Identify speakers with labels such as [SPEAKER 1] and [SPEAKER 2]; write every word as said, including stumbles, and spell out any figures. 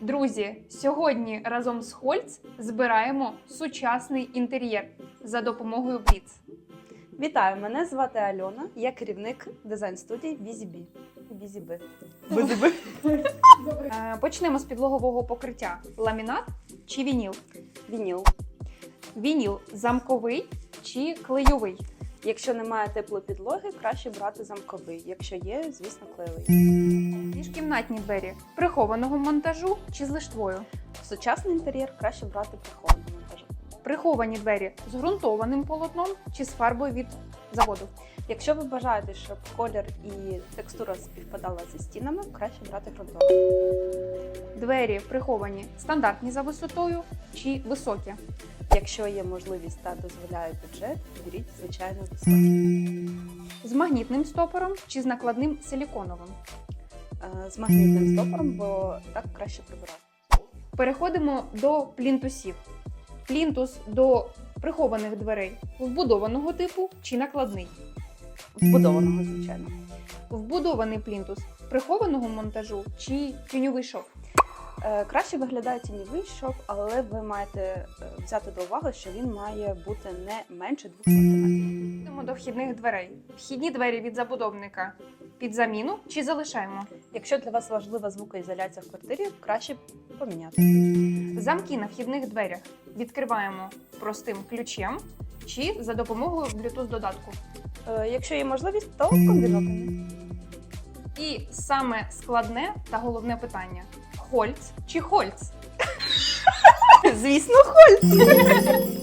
[SPEAKER 1] Друзі, сьогодні разом з Хольц збираємо сучасний інтер'єр за допомогою Бліц.
[SPEAKER 2] Вітаю, мене звати Альона, я керівник дизайн-студії Візібі. Візіби.
[SPEAKER 1] Візіби. Почнемо з підлогового покриття. Ламінат чи вініл?
[SPEAKER 2] Вініл.
[SPEAKER 1] Вініл замковий чи клейовий?
[SPEAKER 2] Якщо немає теплої підлоги, краще брати замковий. Якщо є, звісно, клеєвий.
[SPEAKER 1] Міжкімнатні двері прихованого монтажу чи з лиштвою?
[SPEAKER 2] В сучасний інтер'єр краще брати прихований монтаж.
[SPEAKER 1] Приховані двері з ґрунтованим полотном чи з фарбою від заводу?
[SPEAKER 2] Якщо ви бажаєте, щоб колір і текстура співпадала зі стінами, краще брати ґрунтований.
[SPEAKER 1] Двері приховані стандартні за висотою чи високі?
[SPEAKER 2] Якщо є можливість та дозволяє бюджет, беріть, звичайно, високі.
[SPEAKER 1] З магнітним стопором чи з накладним силіконовим?
[SPEAKER 2] З магнітним стопором, бо так краще прибирати.
[SPEAKER 1] Переходимо до плінтусів. Плінтус до прихованих дверей вбудованого типу чи накладний?
[SPEAKER 2] Вбудованого, звичайно.
[SPEAKER 1] Вбудований плінтус прихованого монтажу чи тіньовий шов?
[SPEAKER 2] Краще виглядає тіньовий шов, але ви маєте взяти до уваги, що він має бути не менше двох сантиметрів.
[SPEAKER 1] Йдемо до вхідних дверей. Вхідні двері від забудовника під заміну чи залишаємо?
[SPEAKER 2] Якщо для вас важлива звукоізоляція в квартирі, краще поміняти.
[SPEAKER 1] Замки на вхідних дверях відкриваємо простим ключем чи за допомогою Bluetooth-додатку?
[SPEAKER 2] Якщо є можливість, то комбіновані.
[SPEAKER 1] І саме складне та головне питання. Хольц чи Хольц?
[SPEAKER 2] Звісно, Хольц!